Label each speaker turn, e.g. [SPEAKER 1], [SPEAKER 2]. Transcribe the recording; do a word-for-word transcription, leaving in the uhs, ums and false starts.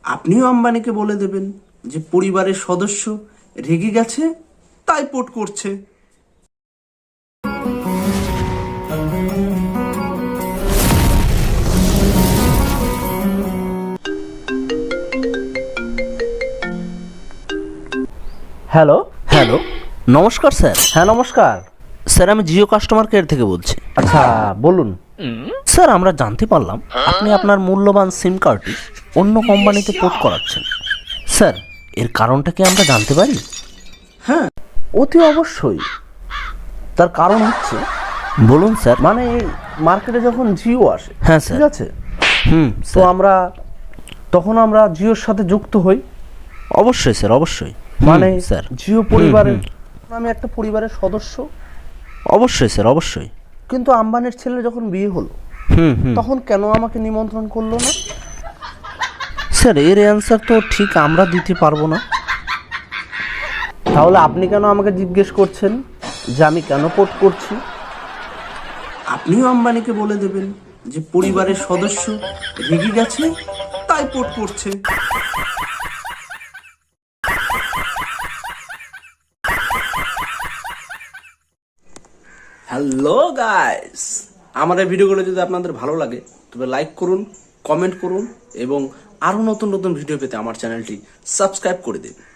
[SPEAKER 1] আপনিও আম্বানিকে বলে দেবেন যে পরিবারের সদস্য রেগে গেছে তাই পোট করছে।
[SPEAKER 2] হ্যালো।
[SPEAKER 3] হ্যালো, নমস্কার স্যার।
[SPEAKER 2] হ্যাঁ নমস্কার।
[SPEAKER 3] স্যার আমি জিও কাস্টমার কেয়ার থেকে বলছি।
[SPEAKER 2] আচ্ছা বলুন।
[SPEAKER 3] স্যার আমরা জানতে পারলাম আপনি আপনার মূল্যবান সিম কার্ডটি অন্য কোম্পানিতে পোর্ট করাচ্ছেন। স্যার এর কারণটা কি আমরা জানতে পারি?
[SPEAKER 1] হ্যাঁ,
[SPEAKER 2] অতি অবশ্যই। তার কারণ হচ্ছে,
[SPEAKER 3] বলুন স্যার।
[SPEAKER 2] মানে মার্কেটে যখন জিও আসে,
[SPEAKER 3] হ্যাঁ স্যার।
[SPEAKER 2] ঠিক আছে,
[SPEAKER 3] হুম
[SPEAKER 2] তো
[SPEAKER 3] স্যার,
[SPEAKER 2] আমরা তখন আমরা জিওর সাথে যুক্ত হই।
[SPEAKER 3] অবশ্যই স্যার, অবশ্যই।
[SPEAKER 2] মানে
[SPEAKER 3] হুম, স্যার।
[SPEAKER 2] জিও পরিবারের আমি একটা পরিবারের সদস্য।
[SPEAKER 3] অবশ্যই স্যার, অবশ্যই।
[SPEAKER 2] কিন্তু আম্বানির ছেলে যখন বিয়ে হলো,
[SPEAKER 3] হুম হুম
[SPEAKER 2] তখন কেন আমাকে নিমন্ত্রণ করলো না?
[SPEAKER 3] স্যার এর অ্যান্সার তো ঠিক আমরা দিতে পারবো না।
[SPEAKER 2] তাহলে আপনি কেন আমাকে জিজ্ঞেস করছেন যে আমি কেন পোর্ট করছি?
[SPEAKER 1] আপনিও আম্বানিকে বলে দেবেন যে পরিবারের সদস্য রেগে গেছে তাই পোট করছে। হ্যালো গাইস, আমাদের ভিডিওগুলো যদি আপনাদের ভালো লাগে তবে লাইক করুন, কমেন্ট করুন এবং আরো নতুন নতুন ভিডিও পেতে আমার চ্যানেলটি সাবস্ক্রাইব করে দিন।